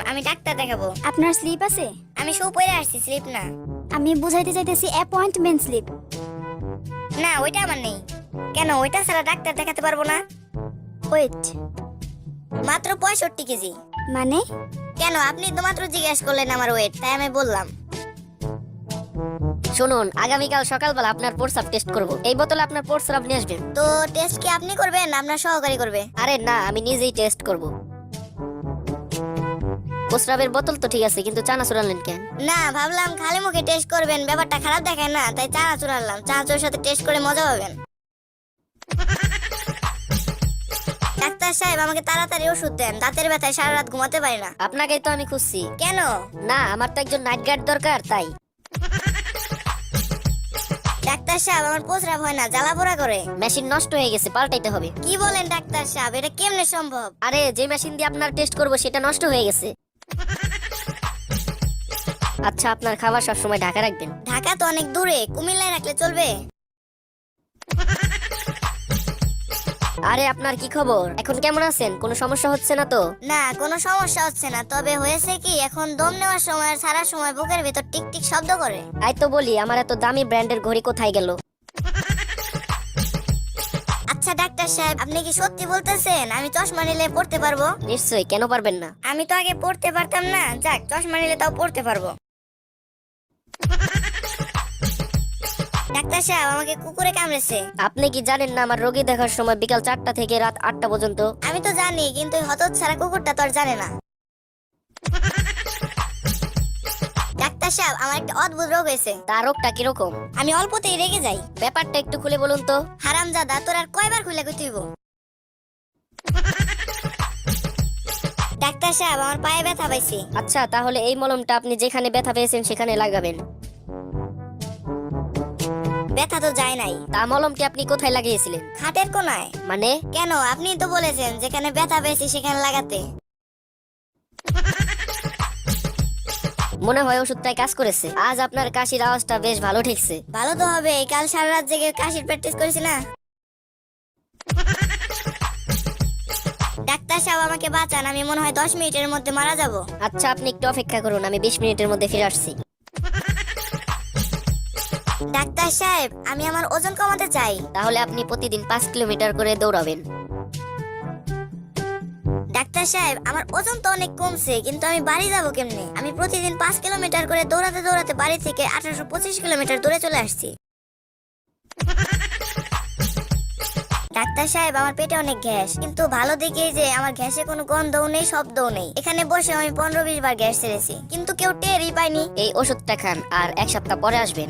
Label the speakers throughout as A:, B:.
A: আমি ডাক্তার দেখাবো।
B: আপনার স্লিপ আছে?
A: আমি শু পরে আসছি, স্লিপ না।
B: আমি বুঝাইতে চাইতেছি অ্যাপয়েন্টমেন্ট স্লিপ।
A: না, ওইটা আমার নেই। কেন, ওইটা ছাড়া ডাক্তার দেখাতে পারবো না?
B: ওয়েট,
A: মাত্র 65 কেজি।
B: মানে?
A: কেন, আপনি তো মাত্র জিজ্ঞেস করলেন আমার ওয়েট, তাই আমি বললাম।
C: শুনুন, আগামীকাল সকালবেলা আপনার প্রস্রাব টেস্ট করব। এই বোতলে আপনার প্রস্রাব নিয়ে আসবেন।
A: তো টেস্ট কি আপনি করবেন না আপনার সহকারী করবে?
C: আরে না, আমি নিজেই টেস্ট করব। প্রস্রাবের বোতল তো ঠিক আছে, কিন্তু চানাচুর আনলেন কেন?
A: না, ভাবলাম খালি মুখে টেস্ট করবেন, ব্যাপারটা খারাপ দেখায় না, তাই চানাচুর আনলাম। চানাচুরের সাথে টেস্ট করে মজা পাবেন। ডাক্তার সাহেব, আমাকে তাড়াতাড়ি ওষুধ দেন, দাঁতের ব্যথায় সারা রাত ঘুমাতে পারি না।
C: আপনাকেই তো আমি খুঁজছি।
A: কেন?
C: না, আমার তো একজন নাইট গার্ড দরকার, তাই।
A: ডাক্তার সাহেব, আমার প্রস্রাব হয় না, জ্বালা পোড়া করে।
C: মেশিন নষ্ট হয়ে গেছে, পাল্টাইতে হবে।
A: কি বলেন ডাক্তার সাহেব, এটা কেমনে সম্ভব?
C: আরে, যে মেশিন দিয়ে আপনার টেস্ট করব সেটা নষ্ট হয়ে গেছে। আচ্ছা, আপনার খাবার সবসময় ঢাকা রাখবেন।
A: ঢাকা তো অনেক দূরে, কুমিল্লায় রাখলে চলবে?
C: আরে, আপনার কি খবর? এখন কেমন আছেন? কোনো সমস্যা হচ্ছে না তো?
A: না, কোনো সমস্যা হচ্ছে না, তবে হয়েছে কি, এখন দম নেওয়ার সময় আর সারা সময় বুকের ভিতর টিক টিক শব্দ করে।
C: তাই তো বলি, আমার এত দামি ব্র্যান্ডের ঘড়ি কোথায় গেল?
A: আচ্ছা ডাক্তার সাহেব, আপনি কি সত্যি বলতেছেন আমি চশমা নিলে পড়তে পারবো?
C: নিশ্চয়ই, কেন পারবেন না?
A: আমি তো আগে পড়তে পারতাম না, যাক চশমা নিলে তাও পড়তে পারবো। ডাক্তার সাহেব, আমাকে কুকুরে কামড়েছে।
C: আপনি কি জানেন না আমার রোগী দেখার সময় বিকাল 4টা থেকে রাত 8টা পর্যন্ত?
A: আমি তো জানি, কিন্তু ওই হতচ্ছাড়া কুকুরটা তো আর জানে না। ডাক্তার সাহেব, আমার একটা অদ্ভুত রোগ হয়েছে।
C: তার রোগটা কিরকম?
A: আমি অল্পতেই রেগে যাই।
C: ব্যাপারটা একটু খুলে বলুন তো।
A: হারামজাদা, তোর আর কয়বার খুলে কইতে হইব? ডাক্তার সাহেব, আমার পায়ে ব্যথা পাইছি।
C: আচ্ছা, তাহলে এই মলমটা আপনি যেখানে ব্যথা পেয়েছেন সেখানে লাগাবেন।
A: ব্যথা তো যায় নাই।
C: তা মলমটি আপনি কোথায় লাগিয়েছিলেন?
A: খাটের কোনায়।
C: মানে?
A: কেন, আপনি তো বলেছেন যেখানে ব্যথা পেয়েছি সেখানে লাগাতে।
C: মনে হয় ওষুধটাই কাজ করেছে। আজ আপনার কাশির আওয়াজটা বেশ ভালো ঠেকছে।
A: ভালো তো হবে, কাল সারা রাত জেগে কাশির প্র্যাকটিস করেছি না। ডাক্তার সাহেব, আমাকে বাঁচান, আমি মনে হয় 10 মিনিটের মধ্যে মারা যাব।
C: আচ্ছা, আপনি একটু অপেক্ষা করুন, আমি 20 মিনিটের মধ্যে ফিরে আসছি।
A: ডাক্তার সাহেব, আমি আমার ওজন কমাতে চাই।
C: তাহলে আপনি প্রতিদিন 5 কিলোমিটার করে দৌড়াবেন।
A: ডাক্তার সাহেব, আমার ওজন তো অনেক কমছে, কিন্তু আমি বাড়ি যাব কেমনে? আমি প্রতিদিন 5 কিলোমিটার করে দৌড়াতে দৌড়াতে বাড়ি থেকে 1825 কিলোমিটার দূরে চলে আসছি। ডাক্তার সাহেব, আমার পেটে অনেক গ্যাস, কিন্তু ভালো দিকে যে আমার গ্যাসে কোনো গন্ধও নেই, শব্দও নেই। এখানে বসে আমি 15-20 বার গ্যাস ছেড়েছি, কিন্তু কেউ টেরই পায়নি।
C: এই ওষুধটা খান, আর 1 সপ্তাহ পরে আসবেন।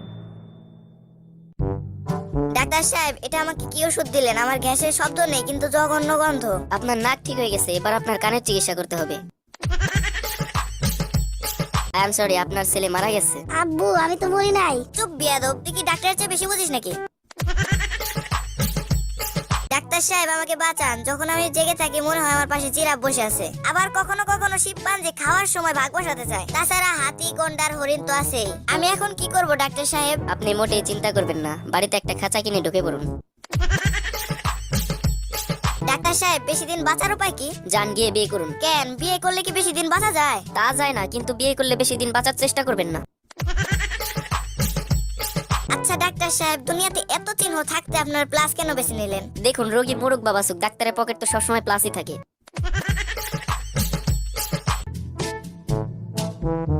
A: ডাক্তার সাহেব, এটা আমাকে কি ওষুধ দিলেন? আমার গ্যাসের শব্দ নেই, কিন্তু জঘন্য গন্ধ।
C: আপনার নাক ঠিক হয়ে গেছে, এবার আপনার কানের চিকিৎসা করতে হবে। আই এম সরি, আপনার ছেলে মারা গেছে।
B: আব্বু, আমি তো বলি নাই।
A: চুপ বিয়াদব, তুই কি ডাক্তারের চেয়ে বেশি বুঝিস নাকি? ডাক্তার সাহেব, আমাকে বাঁচান, যখন আমি জেগে থাকি মনে হয় আমার পাশে জিরাফ বসে আছে। আবার কখনো কখনো শিবপাঞ্জি খাওয়ার সময় ভাগ বসাতে চায়। তাছাড়া হাতি, গন্ডার, হরিণ তো আছেই। আমি এখন কি করব ডাক্তার সাহেব?
C: আপনি মোটেই চিন্তা করবেন না, বাড়িতে একটা খাঁচা কিনে ঢুকে পড়ুন।
A: ডাক্তার সাহেব, বেশি দিন বাঁচার উপায় কি?
C: যান, গিয়ে বিয়ে করুন।
A: কেন, বিয়ে করলে কি বেশি দিন বাঁচা যায়?
C: তা যায় না, কিন্তু বিয়ে করলে বেশি দিন বাঁচার চেষ্টা করবেন না।
A: আচ্ছা ডাক্তার সাহেব, দুনিয়াতে এত চিহ্ন থাকতে আপনার প্লাস কেন বেছে নিলেন?
C: দেখুন, রোগী মোরগ বাবাসুক, ডাক্তারের পকেট তো সবসময় প্লাসই থাকে।